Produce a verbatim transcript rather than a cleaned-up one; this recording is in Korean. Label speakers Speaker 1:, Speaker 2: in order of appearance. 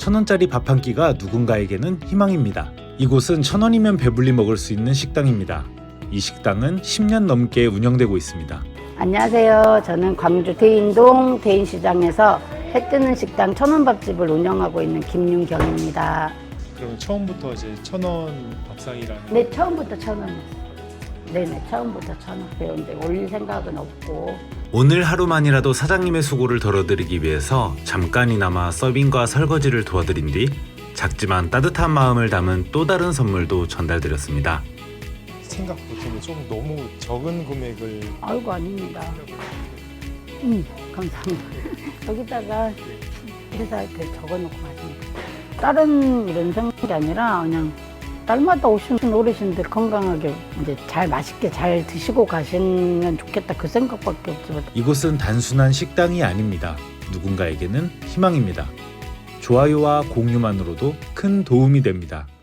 Speaker 1: 천 원짜리 밥 한 끼가 누군가에게는 희망입니다. 이곳은 천 원이면 배불리 먹을 수 있는 식당입니다. 이 식당은 십 년 넘게 운영되고 있습니다.
Speaker 2: 안녕하세요. 저는 광주 대인동 대인시장에서 해뜨는 식당 천원밥집을 운영하고 있는 김윤경입니다.
Speaker 3: 그러면 처음부터 이제 천원 밥상이라는
Speaker 2: 네, 처음부터 천원이었어요. 네네, 처음부터 천원 배우는데 올릴 생각은 없고.
Speaker 1: 오늘 하루만이라도 사장님의 수고를 덜어드리기 위해서 잠깐이나마 서빙과 설거지를 도와드린 뒤 작지만 따뜻한 마음을 담은 또 다른 선물도 전달드렸습니다.
Speaker 3: 생각보다는 좀 너무 적은 금액을
Speaker 2: 아이고, 아닙니다. 음, 감사합니다. 여기다가 회사 이렇게 적어놓고 가십니다. 다른 이런 생각이 아니라 그냥 딸마다 오시는 어르신들 건강하게 이제 잘 맛있게 잘 드시고 가시면 좋겠다 그 생각밖에 없지만.
Speaker 1: 이곳은 단순한 식당이 아닙니다. 누군가에게는 희망입니다. 좋아요와 공유만으로도 큰 도움이 됩니다.